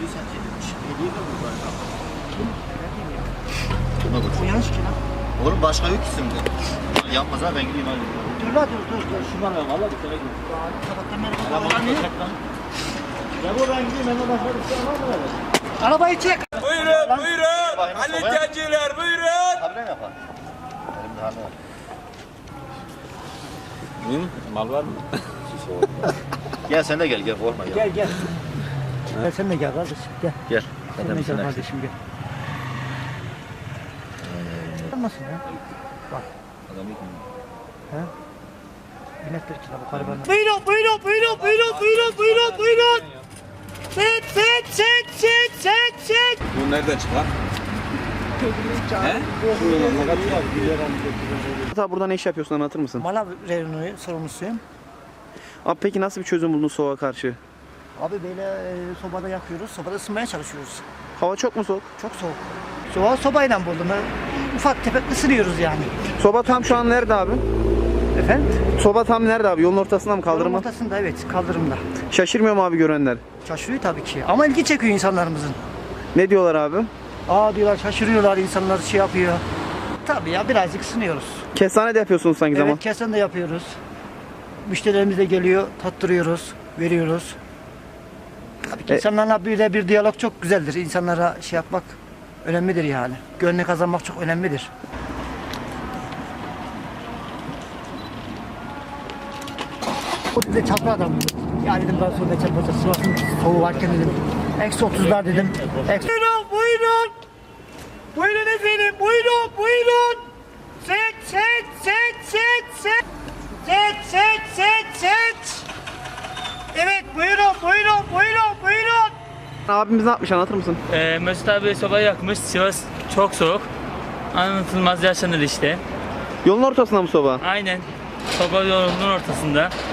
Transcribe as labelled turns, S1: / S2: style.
S1: O yanlış ki lan.
S2: Oğlum başka yok isimde. Yapmaz ha ben gideyim hadi.
S1: Dur la dur.
S2: Şunlar ver valla bir kere gideyim.
S1: Sabahtan beri
S2: Araba
S1: kullanıyor.
S2: çek lan. Ya bu ben gideyim hemen başka bir şey var mı öyle?
S1: Arabayı çek.
S3: Buyurun. Ali Tenciler buyurun.
S2: Abi ne yapar? Elimde hane var.
S3: Mal var mı?
S2: Gel sen de gel korkma gel.
S1: Gel. Gel sen de gel kardeşim gel.
S2: Gel.
S1: Sen de gel kardeşim gel. Olmasın ya. Bak.
S2: Adam yok mu?
S1: He? Binekler için bu karavanla.
S4: Buyurun. Set.
S3: Bu nereden çıkar?
S5: Hatta burada ne iş yapıyorsun anlatır mısın?
S1: Mala reyonu sorumlusuyum.
S5: Abi peki nasıl bir çözüm buldun soğuğa karşı?
S1: Abi böyle sobada yakıyoruz. Sobada ısınmaya çalışıyoruz.
S5: Hava çok mu soğuk?
S1: Çok soğuk. Soğuğa sobayla buldum. Ufak tefek ısınıyoruz yani.
S5: Soba tam şu an nerede abi?
S1: Efendim?
S5: Soba tam nerede abi? Yolun ortasında mı
S1: Yolun
S5: kaldırma?
S1: ortasında evet kaldırımda.
S5: Şaşırmıyor mu abi görenler?
S1: Şaşırıyor tabii ki. Ama ilgi çekiyor insanlarımızın.
S5: Ne diyorlar abi?
S1: Aa diyorlar şaşırıyorlar insanlar şey yapıyor. Tabii ya birazcık ısınıyoruz.
S5: Kestane de yapıyorsunuz sanki zaman.
S1: Evet kesen de yapıyoruz. Müşterilerimiz de geliyor, tattırıyoruz, veriyoruz. Tabii ki insanlarla bir diyalog çok güzeldir. İnsanlara şey yapmak önemlidir yani. Gönlünü kazanmak çok önemlidir. O dedi çapra adam. Ya dedim ben sonra çapra Sivas'ın soğuğu varken dedim. Eksi 30'lar dedim.
S4: Buyurun efendim. Buyurun. Set. Evet buyurun.
S5: Abimiz ne yapmış anlatır mısın?
S6: Mesut abi sobayı yakmış. Sivas çok soğuk. Anlatılmaz yaşanır işte.
S5: Yolun ortasında mı soba?
S6: Aynen. Soba yolunun ortasında.